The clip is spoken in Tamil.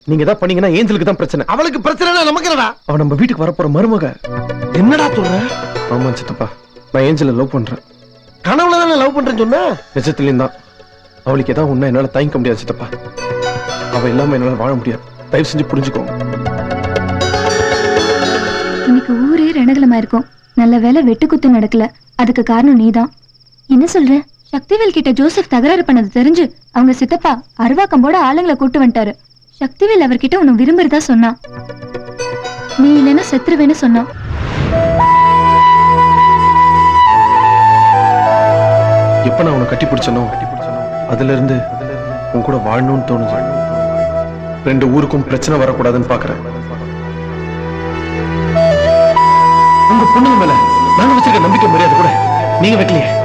நீங்க தான் பண்ணீங்கன்னா ஏஞ்சலுக்கு தான் பிரச்சனை. அவளுக்கு பிரச்சனை நமக்கு என்னடா? அவ நம்ம வீட்டுக்கு வரப்போற மருமக. என்னடா சொல்ற? ஆமா சித்தப்பா, நான் ஏஞ்சலை லவ் பண்றேன். கனவுல தானே லவ் பண்றேன்னு சொன்ன? நிஜத்துலயும் தான். அவளுக்கு ஏதாவது ஒண்ணா என்னால தாங்கிக்க முடியாது சித்தப்பா. அவ இல்லாம என்னால வாழ முடியாது. தயவு செஞ்சு புரிஞ்சுக்கோங்க. இன்னைக்கு ஊரே ரணகலமா இருக்கும். நல்ல வேலை வெட்டுக்குத்து நடக்கல. அதுக்கு காரணம் நீதான். என்ன சொல்ற? சக்திவேல் கிட்ட ஜோசப் தகராறு பண்ணது தெரிஞ்சு அவங்க சித்தப்பா அருவாக்கம்போட ஆளுங்களை கூட்டு வந்துட்டாரு. சக்திவேல் அவர்கிட்ட உன்னை விரும்புறதா சொன்னா. நீ இல்லைன்னா செத்துருவேன்னு சொன்னான். எப்ப நான் உன்னை கட்டி பிடிச்சனோ அதுல இருந்து உன் கூட வாழணும்னு தோணுது. ரெண்டு ஊருக்கும் பிரச்சனை வரக்கூடாதுன்னு பாக்குறேன். உங்க பொண்ணுங்க மேல நாங்க வச்சிருக்க நம்பிக்கை மரியாதை கூட நீங்க வைக்கலையே.